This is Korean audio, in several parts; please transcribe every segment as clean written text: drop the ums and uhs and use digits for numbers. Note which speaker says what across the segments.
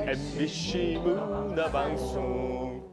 Speaker 1: MBC 문화방송.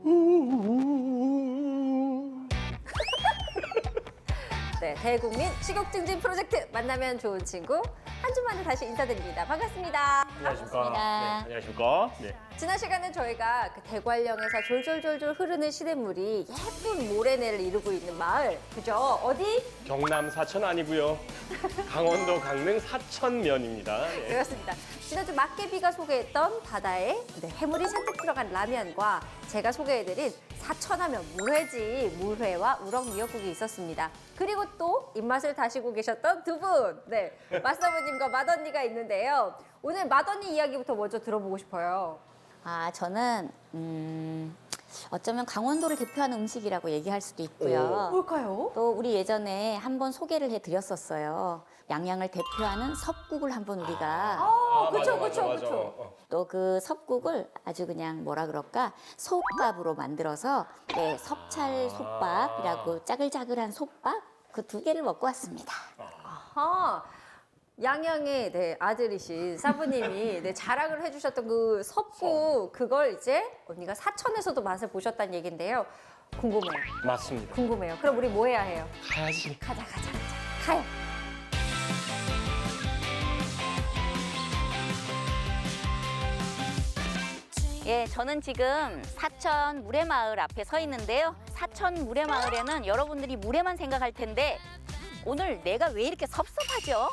Speaker 2: 네, 대국민 식욕 증진 프로젝트 만나면 좋은 친구 한 주 만에 다시 인사드립니다. 반갑습니다.
Speaker 1: 안녕하십니까. 네,
Speaker 3: 반갑습니다.
Speaker 1: 안녕하십니까. 네.
Speaker 2: 지난 시간에 저희가 그 대관령에서 졸졸졸졸 흐르는 시냇물이 예쁜 모래내를 이루고 있는 마을, 그죠? 어디?
Speaker 1: 경남 사천 아니고요. 강원도 강릉 사천면입니다. 네.
Speaker 2: 그렇습니다. 지난주 막개비가 소개했던 바다에 해물이 잔뜩 들어간 라면과 제가 소개해드린 사천하면 물회지, 물회와 우럭 미역국이 있었습니다. 그리고 또 입맛을 다시고 계셨던 두 분, 네, 마사부님과 맏언니가 있는데요. 오늘 맏언니 이야기부터 먼저 들어보고 싶어요.
Speaker 3: 아, 저는 어쩌면 강원도를 대표하는 음식이라고 얘기할 수도 있고요.
Speaker 2: 뭘까요?
Speaker 3: 또 우리 예전에 한번 소개를 해드렸었어요. 양양을 대표하는 섭국을 한번 우리가
Speaker 2: 그쵸,
Speaker 1: 맞아,
Speaker 2: 그쵸,
Speaker 1: 맞아.
Speaker 2: 그쵸.
Speaker 3: 또 그 섭국을 아주 그냥 뭐라 그럴까 솥밥으로 만들어서 네, 섭찰 솥밥이라고 짜글짜글한 솥밥 그 두 개를 먹고 왔습니다.
Speaker 2: 아, 양양의 네, 아들이신 사부님이 네, 자랑을 해주셨던 그 섭국, 그걸 이제 언니가 사천에서도 맛을 보셨다는 얘기인데요. 궁금해요.
Speaker 1: 맞습니다.
Speaker 2: 궁금해요. 그럼 우리 뭐 해야 해요?
Speaker 1: 가야지.
Speaker 2: 가자. 가요.
Speaker 3: 예, 저는 지금 사천 물회마을 앞에 서 있는데요. 사천 물회마을에는 여러분들이 물회만 생각할 텐데 오늘 내가 왜 이렇게 섭섭하죠?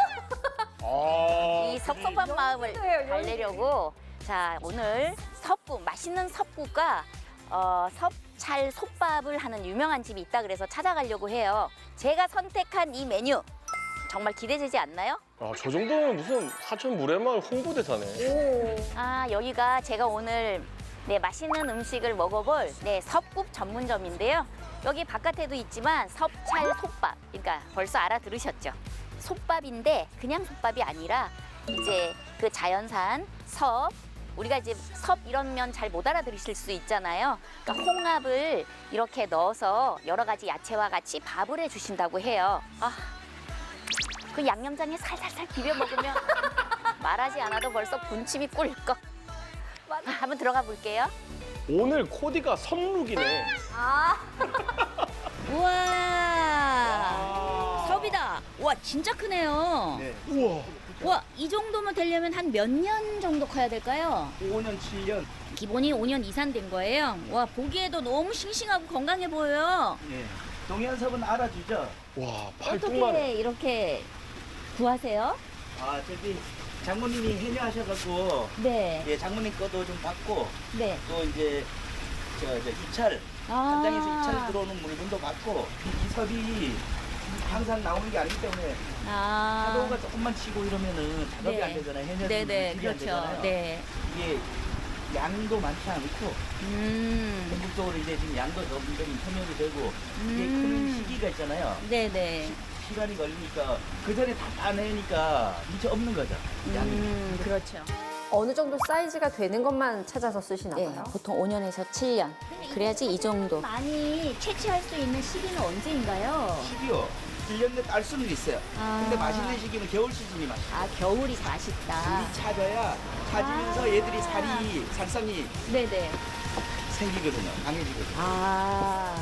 Speaker 3: 이 섭섭한 마음을
Speaker 2: 연기예요, 연기.
Speaker 3: 달래려고 자 오늘 섭국 맛있는 섭국과 섭찰 솥밥을 하는 유명한 집이 있다 그래서 찾아가려고 해요. 제가 선택한 이 메뉴 정말 기대되지 않나요?
Speaker 1: 아, 저 정도면 무슨 사천 물회마을 홍보대사네.
Speaker 3: 아 여기가 제가 오늘 네 맛있는 음식을 먹어볼 네 섭국 전문점인데요. 여기 바깥에도 있지만 섭찰 솥밥 그러니까 벌써 알아들으셨죠? 솥밥인데 그냥 솥밥이 아니라 이제 그 자연산 섭 우리가 이제 섭 이런 면 잘 못 알아들으실 수 있잖아요. 그러니까 홍합을 이렇게 넣어서 여러 가지 야채와 같이 밥을 해주신다고 해요. 그 양념장에 살살살 비벼 먹으면 말하지 않아도 벌써 군침이 꿀꺽. 한번 들어가 볼게요.
Speaker 1: 오늘 코디가 선룩이네.
Speaker 3: 우와, 섭이다. 와, 진짜 크네요.
Speaker 4: 네.
Speaker 1: 우와.
Speaker 3: 와, 이 정도면 되려면 한 몇 년 정도 커야 될까요?
Speaker 4: 5년, 7년.
Speaker 3: 기본이 5년 이상 된 거예요. 와, 보기에도 너무 싱싱하고 건강해 보여요.
Speaker 4: 예. 동해안섭은 알아주죠?
Speaker 1: 와, 팔뚝만.
Speaker 3: 어떻게 이렇게 구하세요?
Speaker 4: 아, 저기 장모님이 해녀하셔갖고,
Speaker 3: 네,
Speaker 4: 예, 장모님 거도 좀 받고,
Speaker 3: 네.
Speaker 4: 또 이제, 저 입찰, 한장에서 입찰 들어오는 물건도 받고, 이 섭이 항상 나오는 게 아니기 때문에, 파도가 조금만 치고 이러면은 작업이
Speaker 3: 네.
Speaker 4: 안 되잖아요. 해녀들이
Speaker 3: 네네,
Speaker 4: 일이 안
Speaker 3: 그렇죠.
Speaker 4: 되잖아요.
Speaker 3: 네.
Speaker 4: 이게 양도 많지 않고,
Speaker 3: 음,
Speaker 4: 전국적으로 이제 지금 양도 점점 협력이 되고, 이게 크는 시기가 있잖아요.
Speaker 3: 네네.
Speaker 4: 시간이 걸리니까 그 전에 다 따내니까 미처 없는 거죠. 양이.
Speaker 3: 그렇죠.
Speaker 2: 어느 정도 사이즈가 되는 것만 찾아서 쓰시나
Speaker 3: 네,
Speaker 2: 봐요.
Speaker 3: 보통 5년에서 7년. 그래야지 이 정도. 많이 채취할 수 있는 시기는 언제인가요?
Speaker 4: 시기요. 1년 내에 딸 수는 있어요. 근데 맛있는 시기는 겨울 시즌이 맛있어요.
Speaker 3: 아, 겨울이 맛있다.
Speaker 4: 물이 차져야 차지면서 얘들이 살성이
Speaker 3: 네네.
Speaker 4: 생기거든요. 강해지거든요.
Speaker 3: 아.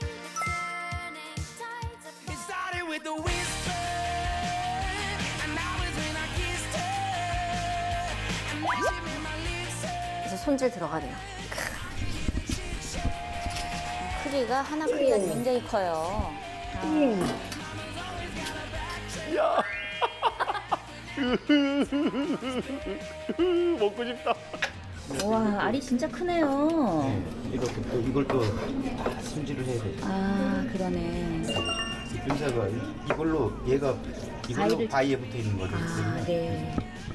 Speaker 5: It started with the whisper, and now it's when I kissed her, and now she made my lips hurt.
Speaker 2: 이제 손질 들어가네요.
Speaker 3: 크기가 하나 크기가 굉장히 커요.
Speaker 1: 야. 먹고 싶다.
Speaker 3: 와, 알이 진짜 크네요.
Speaker 4: 이렇게 또 이걸 또 다 손질을 해야 돼요.
Speaker 3: 아, 그러네.
Speaker 4: 의사가 이걸로 얘가 이걸로
Speaker 3: 바위를-
Speaker 4: 바위에 붙어 있는 거죠.
Speaker 3: 아, 네.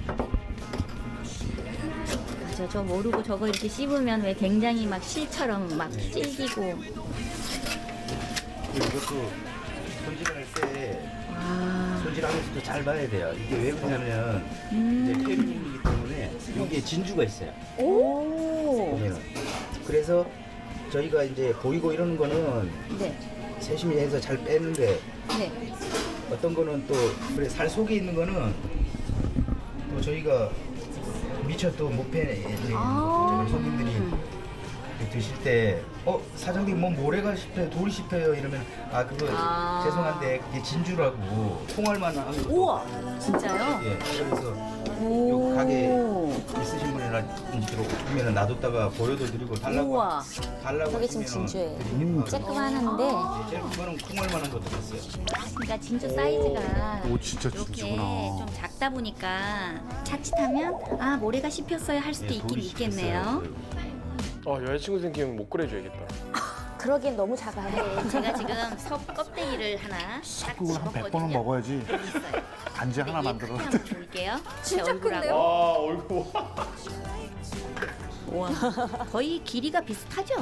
Speaker 3: 맞아, 저 모르고 저거 이렇게 씹으면 왜 굉장히 막 실처럼 막 질기고.
Speaker 4: 이것도 손질할 때
Speaker 3: 아,
Speaker 4: 손질하면서도 잘 봐야 돼요. 이게 왜 그러냐면 이제 페루님이기 때문에 여기에 진주가 있어요.
Speaker 3: 오.
Speaker 4: 보면은. 그래서 저희가 이제 보이고 이러는 거는
Speaker 3: 네.
Speaker 4: 세심히 해서 잘 빼는데
Speaker 3: 네.
Speaker 4: 어떤 거는 또 그래 살 속에 있는 거는 또 저희가 미처 또 못 패는 손님들이 드실 때 사장님 뭐 모래가 씹혀요, 돌이 씹혀요 이러면 그거 죄송한데 그게 진주라고 통할만 한 거.
Speaker 3: 우와, 진짜요?
Speaker 4: 예, 그래서 요 가게 있으신 분이나 보면은 놔뒀다가 보여도 드리고
Speaker 3: 우와.
Speaker 4: 달라고
Speaker 3: 저게 지금
Speaker 4: 하시면
Speaker 3: 진주예요.
Speaker 4: 드리기도 하고.
Speaker 3: 쬐끄만한데,
Speaker 4: 제일 큰 거는 콩알만한 거 들었어요.
Speaker 3: 그러니까 진주 사이즈가
Speaker 6: 오, 진짜
Speaker 3: 이렇게
Speaker 6: 진주구나.
Speaker 3: 좀 작다 보니까 자칫하면 모래가 씹혔어요 할 수도 있긴 있겠네요.
Speaker 1: 여자친구 생기면 못 그래줘야겠다.
Speaker 3: 그러기엔 너무 작아요. 제가 지금 섭 껍데기를 하나 딱
Speaker 6: 그걸 한 100번은 먹어야지.
Speaker 3: 있어요.
Speaker 6: 안지 하나
Speaker 3: 이
Speaker 6: 만들어.
Speaker 3: 크기 한번 볼게요.
Speaker 2: 진짜
Speaker 3: 제 얼굴하고.
Speaker 2: 큰데요?
Speaker 1: 얼굴.
Speaker 3: 우와. 거의 길이가 비슷하죠?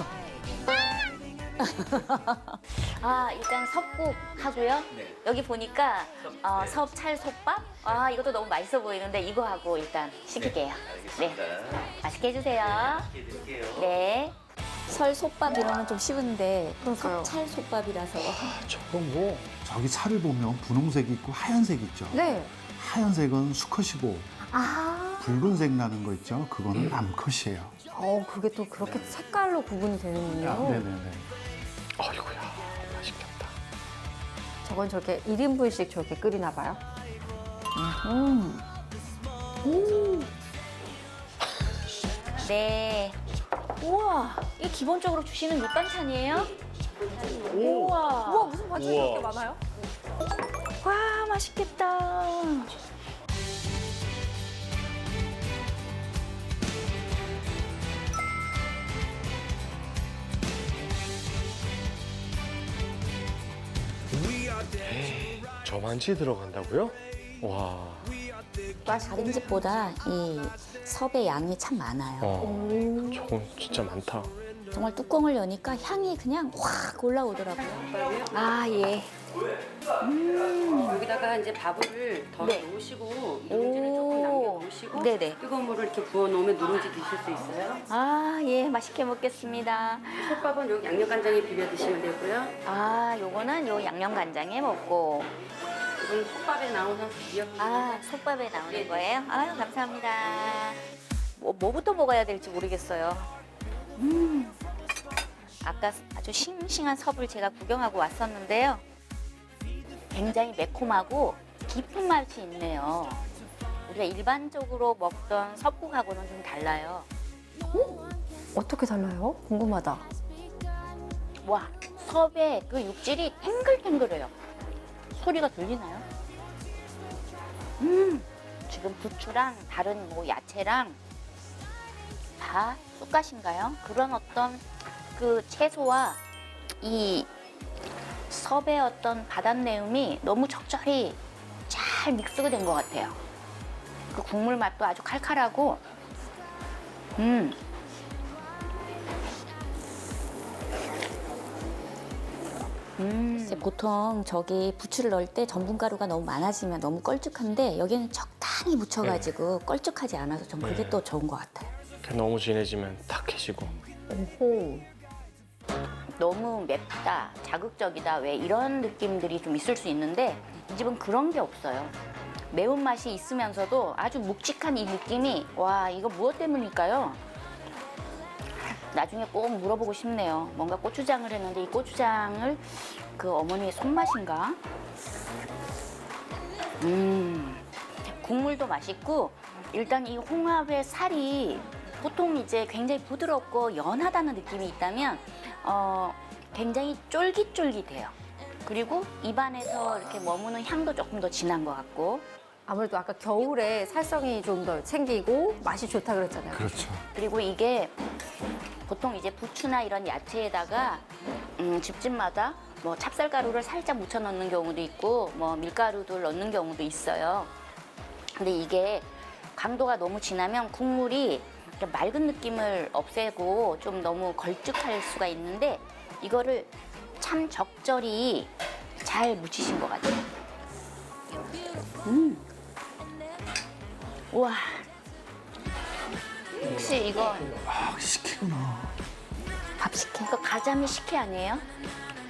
Speaker 3: 일단 섭국 하고요.
Speaker 4: 네.
Speaker 3: 여기 보니까 섭찰솥밥. 이것도 너무 맛있어 보이는데 이거 하고 일단 시킬게요.
Speaker 4: 알겠습니다.
Speaker 3: 맛있게 해주세요.
Speaker 4: 드릴게요.
Speaker 3: 네. 설솥밥 이러면 좀 쉬운데
Speaker 2: 그러니까요.
Speaker 3: 섭찰솥밥이라서.
Speaker 1: 저거 뭐.
Speaker 6: 저기 살을 보면 분홍색이 있고 하얀색 있죠.
Speaker 2: 네.
Speaker 6: 하얀색은 수컷이고
Speaker 2: 아,
Speaker 6: 붉은색 나는 거 있죠. 그거는 남컷이에요.
Speaker 2: 그게 또 그렇게 색깔로 구분이 되는군요.
Speaker 6: 네네네.
Speaker 1: 아이고야, 맛있겠다.
Speaker 2: 저건 저렇게 1인분씩 저렇게 끓이나 봐요.
Speaker 3: 네. 우와, 이게 기본적으로 주시는 밑반찬이에요? 우와.
Speaker 2: 우와, 무슨 반찬이
Speaker 1: 우와.
Speaker 2: 이렇게 많아요?
Speaker 3: 와, 맛있겠다.
Speaker 1: 저만치 들어간다고요? 와.
Speaker 3: 다른 집보다 이 섭의 양이 참 많아요.
Speaker 1: 저건 진짜 많다.
Speaker 3: 정말 뚜껑을 여니까 향이 그냥 확 올라오더라고요. 예.
Speaker 7: 여기다가 이제 밥을 더
Speaker 3: 네.
Speaker 7: 넣으시고 누룽지를 조금 남겨 놓으시고
Speaker 3: 네네.
Speaker 7: 뜨거운 물을 이렇게 부어 놓으면 누룽지 드실 수 있어요.
Speaker 3: 예, 맛있게 먹겠습니다.
Speaker 7: 솥밥은 요 양념간장에 비벼 드시면 되고요.
Speaker 3: 요거는 요 양념간장에 먹고.
Speaker 7: 이건 솥밥에 나오는 미역.
Speaker 3: 솥밥에 나오는 거예요? 감사합니다. 뭐부터 먹어야 될지 모르겠어요. 아까 아주 싱싱한 섭을 제가 구경하고 왔었는데요. 굉장히 매콤하고 깊은 맛이 있네요. 우리가 일반적으로 먹던 섭국하고는 좀 달라요.
Speaker 2: 어떻게 달라요? 궁금하다.
Speaker 3: 와, 섭의 그 육질이 탱글탱글해요. 소리가 들리나요? 지금 부추랑 다른 뭐 야채랑 다 쑥갓인가요? 그런 어떤 그 채소와 이 섭의 어떤 바닷내음이 너무 적절히 잘 믹스가 된 것 같아요. 그 국물 맛도 아주 칼칼하고, 이제 보통 저기 부추를 넣을 때 전분가루가 너무 많아지면 너무 걸쭉한데 여기는 적당히 묻혀가지고 걸쭉하지 않아서 전 그게 또 좋은 것 같아요.
Speaker 1: 너무 진해지면 탁해지고.
Speaker 2: 오호.
Speaker 3: 너무 맵다, 자극적이다, 왜 이런 느낌들이 좀 있을 수 있는데 이 집은 그런 게 없어요. 매운맛이 있으면서도 아주 묵직한 이 느낌이 와, 이거 무엇 때문일까요? 나중에 꼭 물어보고 싶네요. 뭔가 고추장을 했는데 이 고추장을 그 어머니의 손맛인가? 국물도 맛있고 일단 이 홍합의 살이 보통 이제 굉장히 부드럽고 연하다는 느낌이 있다면 굉장히 쫄깃쫄깃해요. 그리고 입안에서 이렇게 머무는 향도 조금 더 진한 것 같고
Speaker 2: 아무래도 아까 겨울에 살성이 좀 더 생기고 맛이 좋다 그랬잖아요.
Speaker 6: 그렇죠.
Speaker 3: 그리고 이게 보통 이제 부추나 이런 야채에다가 집집마다 뭐 찹쌀가루를 살짝 묻혀 넣는 경우도 있고 뭐 밀가루도 넣는 경우도 있어요. 근데 이게 강도가 너무 진하면 국물이 이렇게 맑은 느낌을 없애고 좀 너무 걸쭉할 수가 있는데 이거를 참 적절히 잘 묻히신 것 같아요. 우와. 혹시 이거
Speaker 6: 식혜구나.
Speaker 3: 밥 식혜? 이거 가자미 식혜 아니에요?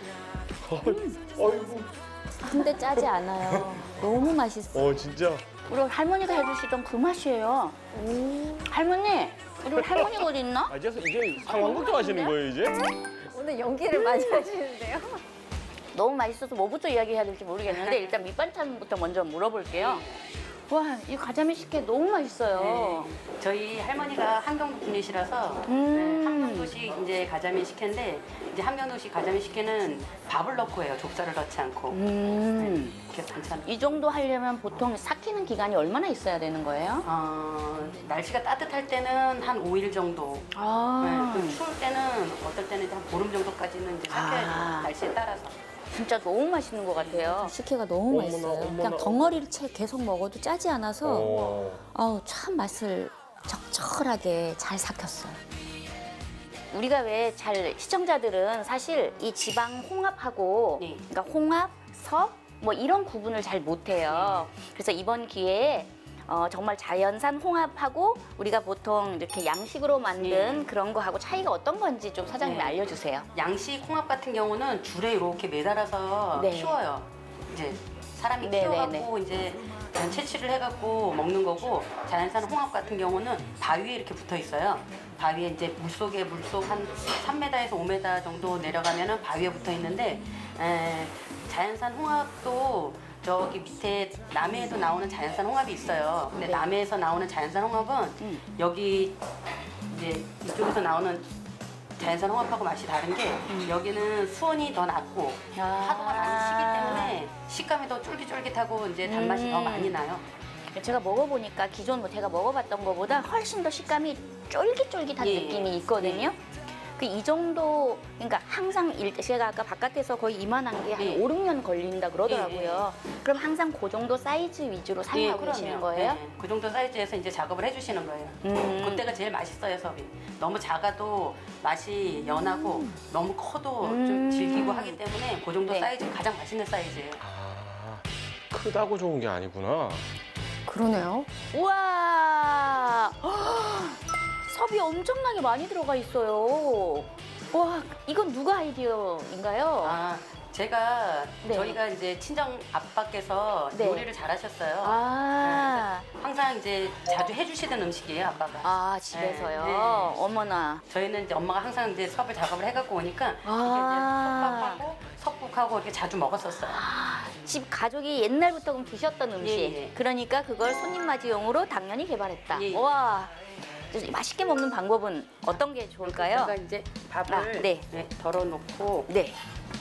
Speaker 1: 어이구.
Speaker 3: 근데 짜지 않아요. 너무 맛있어.
Speaker 1: 진짜
Speaker 3: 우리 할머니가 해주시던 그 맛이에요. 할머니, 우리 할머니가 어디 있나?
Speaker 1: 아, 이제 상황 걱정하시는 거예요, 이제?
Speaker 2: 오늘 연기를 많이 하시는데요.
Speaker 3: 너무 맛있어서 뭐부터 이야기해야 될지 모르겠는데 일단 밑반찬부터 먼저 물어볼게요. 와, 이 가자미 식혜 너무 맛있어요.
Speaker 7: 저희 할머니가 한경도 분이시라서 네, 함경도식 이제 가자미 식혜인데 이제 함경도식 가자미 식혜는 밥을 넣고 해요. 족살을 넣지 않고. 네, 이렇게 반찬.
Speaker 3: 이 정도 하려면 보통 삭히는 기간이 얼마나 있어야 되는 거예요?
Speaker 7: 날씨가 따뜻할 때는 한 5일 정도. 네, 그 추울 때는 어떨 때는 이제 한 보름 정도까지는 이제 삭혀야죠. 날씨에 따라서.
Speaker 3: 진짜 너무 맛있는 것 같아요.
Speaker 2: 식혜가 너무
Speaker 1: 어머나,
Speaker 2: 맛있어요.
Speaker 1: 어머나.
Speaker 2: 그냥 덩어리를 채 계속 먹어도 짜지 않아서 아우 참 맛을 적절하게 잘 삭혔어요.
Speaker 3: 우리가 왜 잘 시청자들은 사실 이 지방 홍합하고
Speaker 7: 네.
Speaker 3: 그러니까 홍합, 섭 뭐 이런 구분을 잘 못해요. 그래서 이번 기회에 정말 자연산 홍합하고 우리가 보통 이렇게 양식으로 만든 그런 거하고 차이가 어떤 건지 좀 사장님이
Speaker 7: 네.
Speaker 3: 알려주세요.
Speaker 7: 양식 홍합 같은 경우는 줄에 이렇게 매달아서
Speaker 3: 네.
Speaker 7: 키워요. 이제 사람이
Speaker 3: 네,
Speaker 7: 키워갖고 이제 채취를 해갖고 먹는 거고 자연산 홍합 같은 경우는 바위에 이렇게 붙어 있어요. 바위에 이제 물속 한 3m에서 5m 정도 내려가면은 바위에 붙어 있는데 자연산 홍합도 저기 밑에 남해에도 나오는 자연산 홍합이 있어요. 근데 남해에서 나오는 자연산 홍합은 여기 이제 이쪽에서 나오는 자연산 홍합하고 맛이 다른 게 여기는 수온이 더 낮고 파도가 많이 치기 때문에 식감이 더 쫄깃쫄깃하고 이제 단맛이 더 많이 나요.
Speaker 3: 제가 먹어보니까 기존 뭐 제가 먹어봤던 것보다 훨씬 더 식감이 쫄깃쫄깃한
Speaker 7: 예.
Speaker 3: 느낌이 있거든요. 그 이 정도 그러니까 항상 제가 아까 바깥에서 거의 이만한 게 한
Speaker 7: 예.
Speaker 3: 5, 6년 걸린다 그러더라고요. 그럼 항상 그 정도 사이즈 위주로 사용하고
Speaker 7: 그럼요.
Speaker 3: 계시는 거예요?
Speaker 7: 네, 그 정도 사이즈에서 이제 작업을 해주시는 거예요. 그때가 제일 맛있어요, 섭이. 너무 작아도 맛이 연하고 너무 커도 좀 질기고 하기 때문에 그 정도
Speaker 3: 네.
Speaker 7: 사이즈 가장 맛있는 사이즈예요.
Speaker 1: 아, 크다고 좋은 게 아니구나.
Speaker 2: 그러네요.
Speaker 3: 우와! 섭이 엄청나게 많이 들어가 있어요. 와, 이건 누가 아이디어인가요?
Speaker 7: 제가
Speaker 3: 네.
Speaker 7: 저희가 이제 친정 아빠께서
Speaker 3: 네.
Speaker 7: 요리를 잘하셨어요.
Speaker 3: 아,
Speaker 7: 항상 이제 자주 해주시던 음식이에요, 아빠가.
Speaker 3: 집에서요?
Speaker 7: 네, 네.
Speaker 3: 어머나.
Speaker 7: 저희는 이제 엄마가 항상 이제 섭을 작업을 해갖고 오니까 이렇게 이제 섭밥하고 섭국하고 이렇게 자주 먹었었어요.
Speaker 3: 집 가족이 옛날부터 그럼 드셨던 음식.
Speaker 7: 예, 예.
Speaker 3: 그러니까 그걸 손님 맞이용으로 당연히 개발했다.
Speaker 7: 예, 예.
Speaker 3: 와, 맛있게 먹는 방법은 어떤 게 좋을까요?
Speaker 7: 그러니까 이제 밥을
Speaker 3: 아, 네.
Speaker 7: 덜어놓고
Speaker 3: 네.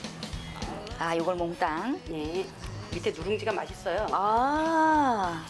Speaker 3: 아, 요걸 몽땅.
Speaker 7: 예, 밑에 누룽지가 맛있어요.
Speaker 3: 아,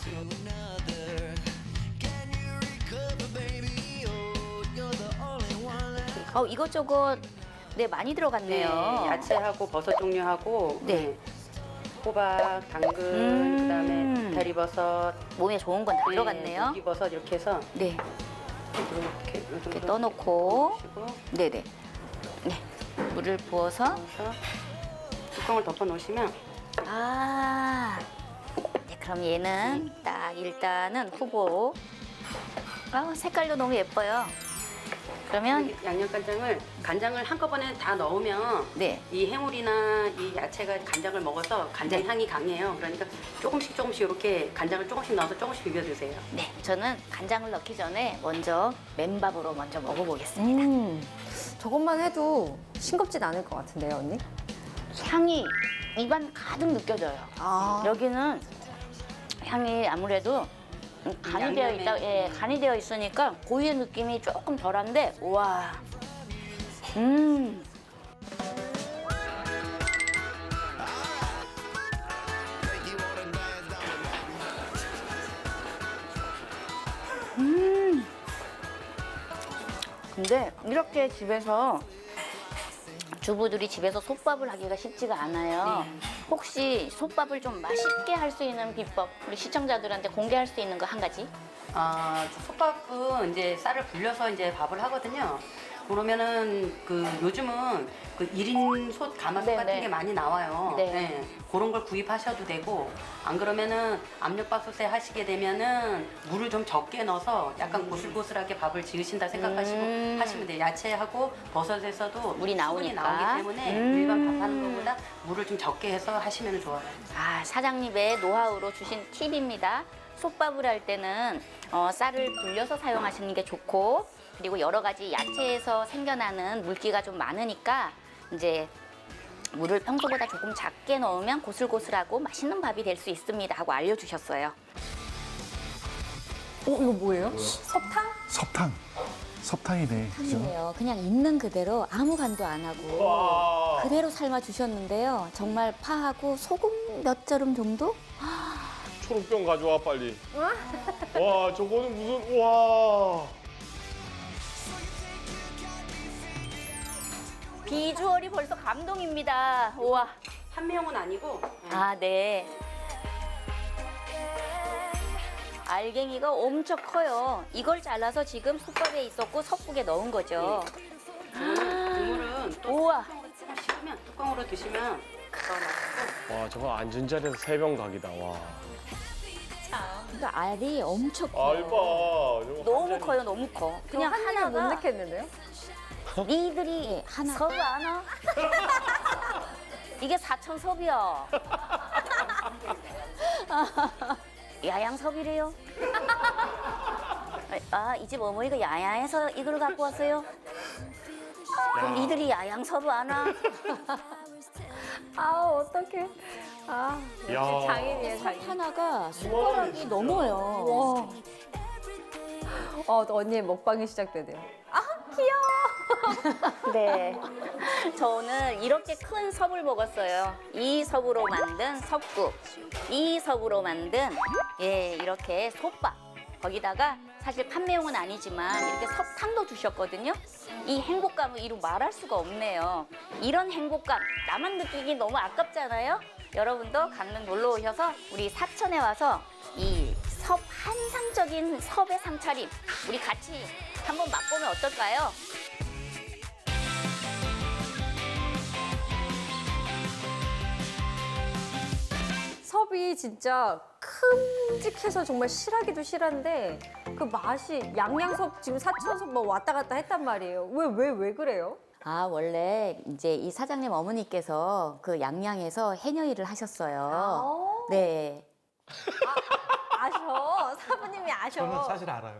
Speaker 3: 이것저것 네 많이 들어갔네요.
Speaker 7: 야채하고 버섯 종류하고
Speaker 3: 네.
Speaker 7: 호박, 당근, 그다음에 이파리버섯,
Speaker 3: 몸에 좋은 건 다 들어갔네요.
Speaker 7: 고기버섯 이렇게 해서
Speaker 3: 네.
Speaker 7: 이렇게 요 정도
Speaker 3: 이렇게 떠놓고,
Speaker 7: 넣으시고
Speaker 3: 네네. 네. 물을 부어서,
Speaker 7: 그래서 뚜껑을 덮어 놓으시면
Speaker 3: 아. 네, 그럼 얘는 딱 일단은 후보. 색깔도 너무 예뻐요. 그러면
Speaker 7: 이 양념간장을 간장을 한꺼번에 다 넣으면
Speaker 3: 네.
Speaker 7: 이 해물이나 이 야채가 간장을 먹어서 간장 향이 강해요. 그러니까 조금씩 이렇게 간장을 조금씩 넣어서 조금씩 비벼 드세요.
Speaker 3: 네, 저는 간장을 넣기 전에 먼저 맨밥으로 먼저 먹어보겠습니다.
Speaker 2: 저것만 해도 싱겁진 않을 것 같은데요, 언니?
Speaker 3: 향이 입안 가득 느껴져요.
Speaker 2: 아,
Speaker 3: 여기는 향이 아무래도 간이 되어 있다, 예, 간이 되어 있으니까 고유의 느낌이 조금 덜한데, 우와. 근데 이렇게 집에서 주부들이 집에서 솥밥을 하기가 쉽지가 않아요. 혹시 솥밥을 좀 맛있게 할 수 있는 비법 우리 시청자들한테 공개할 수 있는 거 한 가지?
Speaker 7: 솥밥은 이제 쌀을 불려서 이제 밥을 하거든요. 그러면은 요즘은 1인 솥 가마솥
Speaker 3: 네,
Speaker 7: 같은
Speaker 3: 네.
Speaker 7: 게 많이 나와요.
Speaker 3: 네.
Speaker 7: 그런 걸 구입하셔도 되고 안 그러면은 압력밥솥에 하시게 되면은 물을 좀 적게 넣어서 약간 고슬고슬하게 밥을 지으신다 생각하시고 하시면 돼요. 야채하고 버섯에서도
Speaker 3: 물이
Speaker 7: 수분이
Speaker 3: 나오니까.
Speaker 7: 나오기 때문에 일반 밥 하는 것보다 물을 좀 적게 해서 하시면 좋아요.
Speaker 3: 사장님의 노하우로 주신 팁입니다. 솥밥을 할 때는 쌀을 불려서 사용하시는 게 좋고, 그리고 여러 가지 야채에서 생겨나는 물기가 좀 많으니까 이제 물을 평소보다 조금 작게 넣으면 고슬고슬하고 맛있는 밥이 될 수 있습니다 하고 알려주셨어요.
Speaker 2: 이거 뭐예요? 설탕?
Speaker 6: 섭탕이네. 그죠?
Speaker 3: 탕이에요. 그냥 있는 그대로 아무 간도 안 하고
Speaker 1: 와.
Speaker 3: 그대로 삶아 주셨는데요. 정말 파하고 소금 몇 저름 정도?
Speaker 1: 초록병 가져와 빨리. 와 저거는 무슨 와.
Speaker 3: 비주얼이 벌써 감동입니다. 우와.
Speaker 7: 판매용은 아니고
Speaker 3: 아, 네. 알갱이가 엄청 커요. 이걸 잘라서 지금 솥밥에 있었고 섭국에 넣은 거죠.
Speaker 7: 국물은 또
Speaker 3: 우와.
Speaker 7: 뚜껑으로 조금 식으면 뚜껑으로 드시면 더 맛있고
Speaker 1: 와 저거 앉은 자리에서 3병 각이다. 와.
Speaker 3: 그러니까 알이 엄청 커요.
Speaker 1: 알바. 저거
Speaker 3: 너무
Speaker 1: 한 잔이-
Speaker 3: 커요, 너무 커. 그냥
Speaker 2: 한 입에 못
Speaker 3: 하나가
Speaker 2: 넣겠는데요?
Speaker 3: 니들이 섭 아나? 이게 4,000섭이야. 야양섭이래요. 아, 이 집 어머니가 야양에서 이걸 갖고 왔어요? 그럼 니들이 야양섭 아나?
Speaker 2: 아, 어떡해. 아,
Speaker 1: 야.
Speaker 2: 역시 장인이에요, 장인.
Speaker 3: 하나가 숟가락이 넘어요.
Speaker 2: 와. 언니의 먹방이 시작되네요. 아, 귀여워.
Speaker 3: 네. 저 오늘 이렇게 큰 섭을 먹었어요. 이 섭으로 만든 섭국, 이 섭으로 만든 이렇게 솥밥. 거기다가 사실 판매용은 아니지만 이렇게 섭탕도 주셨거든요. 이 행복감을 이루 말할 수가 없네요. 이런 행복감 나만 느끼기 너무 아깝잖아요. 여러분도 강릉 놀러 오셔서 우리 사천에 와서 이 섭 환상적인 섭의 상차림 우리 같이 한번 맛보면 어떨까요?
Speaker 2: 섭이 진짜 큼직해서 정말 실하기도 실한데 그 맛이 양양섭 지금 사천섭 뭐 왔다 갔다 했단 말이에요. 왜 그래요?
Speaker 3: 아, 원래 이제 이 사장님 어머니께서 그 양양에서 해녀 일을 하셨어요. 네.
Speaker 2: 아셔. 사부님이 아셔.
Speaker 6: 저는 사실 알아요.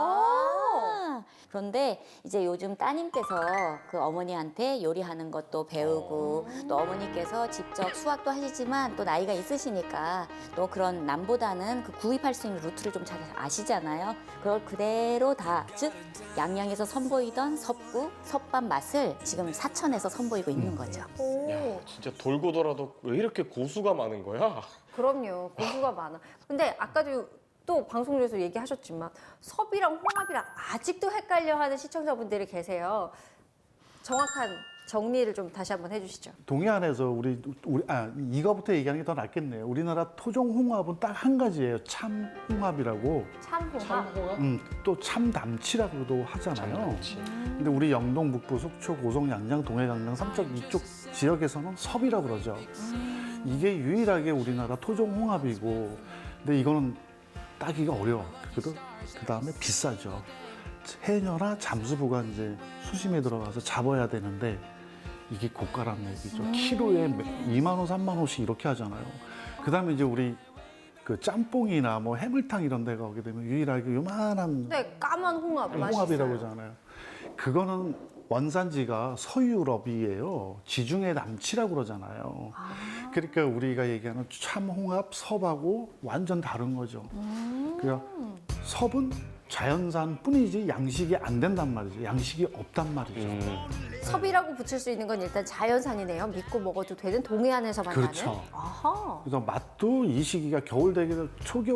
Speaker 3: 아, 그런데 이제 요즘 따님께서 그 어머니한테 요리하는 것도 배우고 또 어머니께서 직접 수학도 하시지만 또 나이가 있으시니까 또 그런 남보다는 그 구입할 수 있는 루트를 좀 잘 아시잖아요. 그걸 그대로 다, 즉 양양에서 선보이던 섭국, 섭밥 맛을 지금 사천에서 선보이고 있는 거죠.
Speaker 2: 오,
Speaker 1: 야 진짜 돌고 돌아도 왜 이렇게 고수가 많은 거야?
Speaker 2: 그럼요. 고수가 많아. 근데 아까도 또 방송 중에서 얘기하셨지만 섭이랑 홍합이랑 아직도 헷갈려하는 시청자분들이 계세요. 정확한 정리를 좀 다시 한번 해주시죠.
Speaker 6: 동해안에서 이거부터 얘기하는 게 더 낫겠네요. 우리나라 토종 홍합은 딱 한 가지예요. 참 홍합이라고.
Speaker 2: 참홍합.
Speaker 6: 또 참담치라고도 하잖아요.
Speaker 1: 참담치.
Speaker 6: 근데 우리 영동, 북부, 속초, 고성, 양양, 동해, 강릉, 삼척 이쪽 지역에서는 섭이라고 그러죠. 이게 유일하게 우리나라 토종 홍합이고, 근데 이거는 따기가 어려워. 그 다음에 비싸죠. 해녀나 잠수부가 이제 수심에 들어가서 잡아야 되는데 이게 고가란 얘기죠. 키로에 2만 원, 3만 원씩 이렇게 하잖아요. 그 다음에 이제 우리 그 짬뽕이나 뭐 해물탕 이런 데 가게 되면 유일하게 요만한
Speaker 2: 네, 까만 홍합.
Speaker 6: 홍합이라고
Speaker 2: 맛있어요.
Speaker 6: 하잖아요. 그거는 원산지가 서유럽이에요. 지중해 남치라고 그러잖아요. 그러니까 우리가 얘기하는 참홍합, 섭하고 완전 다른 거죠. 그러니까 섭은 자연산 뿐이지 양식이 안 된단 말이죠. 양식이 없단 말이죠.
Speaker 2: 섭이라고 붙일 수 있는 건 일단 자연산이네요. 믿고 먹어도 되는 동해안에서만
Speaker 6: 그렇죠.
Speaker 2: 나는. 아하.
Speaker 6: 그래서 맛도 이 시기가 겨울 되기는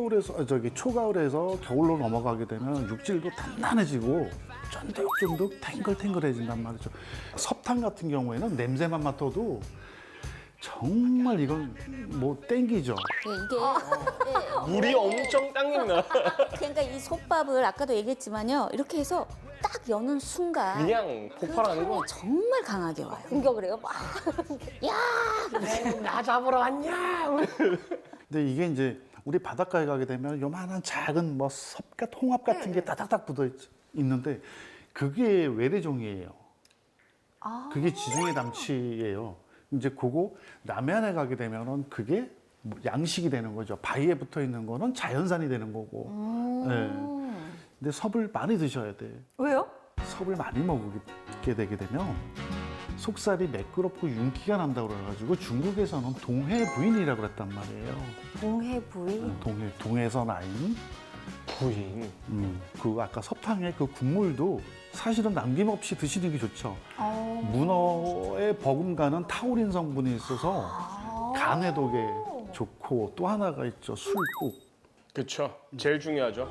Speaker 6: 초가을에서 겨울로 넘어가게 되면 육질도 단단해지고 쫀득쫀득 탱글탱글해진단 말이죠. 섭탕 같은 경우에는 냄새만 맡아도 정말 이건 뭐 땡기죠.
Speaker 3: 이게
Speaker 1: 물이 엄청 당긴다.
Speaker 3: 그러니까 이 솥밥을 아까도 얘기했지만요. 이렇게 해서 딱 여는 순간
Speaker 1: 그냥 폭발하는 거.
Speaker 3: 정말 강하게 와요. 공격을 해요. 막.
Speaker 1: 나 잡으러 왔냐?
Speaker 6: 근데 이게 이제 우리 바닷가에 가게 되면 요만한 작은 뭐 섭갓 홍합 같은 게 따닥닥 붙어 있는데 그게 외래종이에요. 그게 지중해 남치예요. 이제 그거 남해안에 가게 되면은 그게 뭐 양식이 되는 거죠. 바위에 붙어 있는 거는 자연산이 되는 거고. 네. 근데 섭을 많이 드셔야 돼.
Speaker 2: 왜요?
Speaker 6: 섭을 많이 먹게 되게 되면 속살이 매끄럽고 윤기가 난다고 그래가지고 중국에서는 동해 부인이라고 그랬단 말이에요.
Speaker 2: 동해 부위.
Speaker 6: 동해에서 나인.
Speaker 1: 부인.
Speaker 6: 그 아까 섭탕의 그 국물도 사실은 남김없이 드시는 게 좋죠. 문어에 버금가는 타우린 성분이 있어서 간 해독에 좋고 또 하나가 있죠. 술국.
Speaker 1: 그쵸. 제일 중요하죠.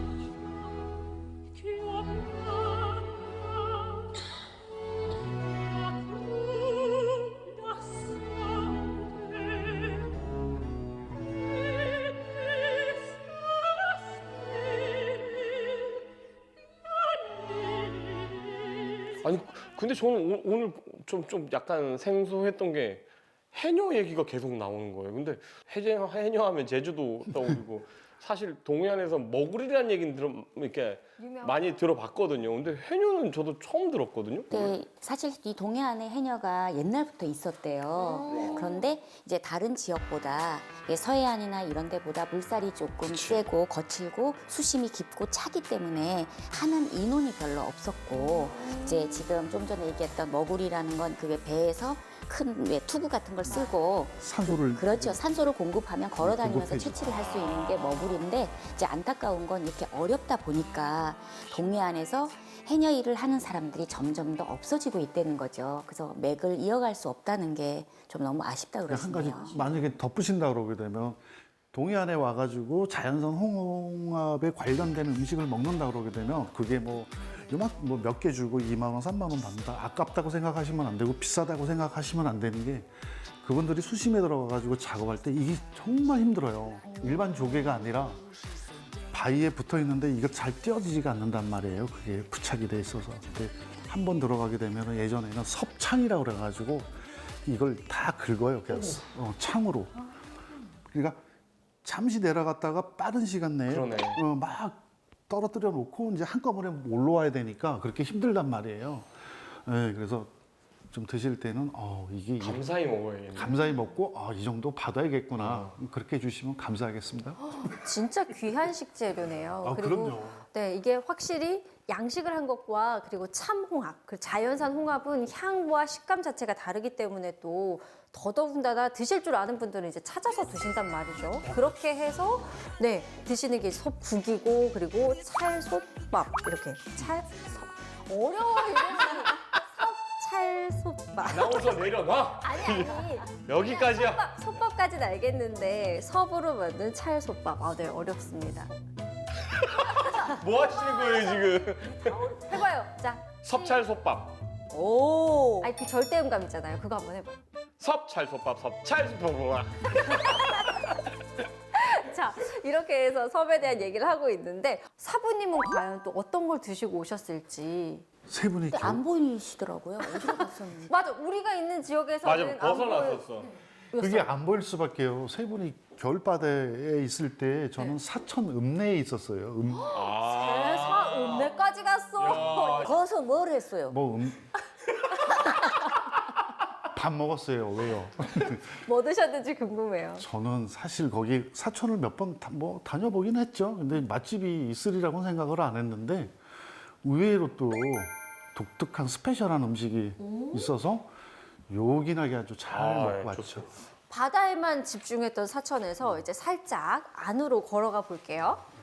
Speaker 1: 아니 근데 저는 오늘 좀 약간 생소했던 게 해녀 얘기가 계속 나오는 거예요. 근데 해녀 하면 제주도 떠오르고 사실 동해안에서 머구리라는 얘기는 이렇게 많이 들어봤거든요. 근데 해녀는 저도 처음 들었거든요.
Speaker 3: 네, 사실 이 동해안에 해녀가 옛날부터 있었대요. 그런데 이제 다른 지역보다 서해안이나 이런 데보다 물살이 조금 세고 거칠고 수심이 깊고 차기 때문에 하는 인원이 별로 없었고 이제 지금 좀 전에 얘기했던 머구리라는 건 그게 배에서 큰 투구 같은 걸 쓰고
Speaker 6: 산소를
Speaker 3: 그렇죠. 산소를 공급하면 걸어 다니면서
Speaker 6: 공급해주고.
Speaker 3: 채취를 할 수 있는 게 머구리인데 이제 안타까운 건 이렇게 어렵다 보니까 동해안에서 해녀 일을 하는 사람들이 점점 더 없어지고 있다는 거죠. 그래서 맥을 이어갈 수 없다는 게 좀 너무 아쉽다
Speaker 6: 한 가지
Speaker 3: 그러시네요.
Speaker 6: 만약에 덧붙인다 그러게 되면 동해안에 와가지고 자연산 홍합에 관련된 음식을 먹는다 그러게 되면 그게 뭐 몇 개 주고 2만 원, 3만 원 받는다. 아깝다고 생각하시면 안 되고 비싸다고 생각하시면 안 되는 게 그분들이 수심에 들어가가지고 작업할 때 이게 정말 힘들어요. 일반 조개가 아니라 바위에 붙어 있는데 이거 잘 띄어지지가 않는단 말이에요. 그게 부착이 돼 있어서. 근데 한 번 들어가게 되면 예전에는 섭창이라고 그래가지고 이걸 다 긁어요. 그냥 창으로. 그러니까 잠시 내려갔다가 빠른 시간 내에
Speaker 1: 그러네.
Speaker 6: 막 떨어뜨려 놓고 이제 한꺼번에 올라와야 되니까 그렇게 힘들단 말이에요. 네, 그래서 좀 드실 때는 이게
Speaker 1: 감사히 먹어야겠네.
Speaker 6: 감사히 먹고 이 정도 받아야겠구나. 그렇게 해주시면 감사하겠습니다.
Speaker 2: 진짜 귀한 식재료네요.
Speaker 6: 그럼요.
Speaker 2: 네, 이게 확실히 양식을 한 것과 그리고 참홍합, 그 자연산 홍합은 향과 식감 자체가 다르기 때문에 또 더더군다나 드실 줄 아는 분들은 이제 찾아서 드신단 말이죠. 그렇게 해서 네 드시는 게 섭국이고 그리고 찰솥밥 이렇게 어려워 이름이 섭찰솥밥.
Speaker 1: 나오서 내려놔.
Speaker 2: 아니
Speaker 1: 여기까지야.
Speaker 2: 솥밥까지는 알겠는데 섭으로 만든 찰솥밥. 네 어렵습니다.
Speaker 1: 뭐 하시는 거예요 지금?
Speaker 2: 해봐요. 자.
Speaker 1: 섭찰솥밥.
Speaker 2: 오. 아니 그 절대음감 있잖아요. 그거 한번 해봐요.
Speaker 1: 섭찰솥밥. 섭찰솥밥.
Speaker 2: 자 이렇게 해서 섭에 대한 얘기를 하고 있는데 사부님은 과연 또 어떤 걸 드시고 오셨을지.
Speaker 6: 세 분이
Speaker 3: 근데 안 보이시더라고요. 어디로 갔었는지.
Speaker 2: 맞아. 우리가 있는 지역에서는
Speaker 1: 맞아 벗어났었어.
Speaker 6: 그게 안 보일 수밖에요. 세 분이 겨울바다에 있을 때 저는 사천 읍내에 있었어요.
Speaker 2: 읍내까지 갔어.
Speaker 3: 거기서 뭘 했어요?
Speaker 6: 밥 먹었어요. 왜요?
Speaker 2: 뭐 드셨는지 궁금해요.
Speaker 6: 저는 사실 거기 사천을 몇 번 다녀보긴 했죠. 근데 맛집이 있으리라고 생각을 안 했는데 의외로 또 독특한 스페셜한 음식이 있어서 요긴하게 아주 잘 먹고 왔죠.
Speaker 1: 좋죠.
Speaker 2: 바다에만 집중했던 사천에서 이제 살짝 안으로 걸어가 볼게요.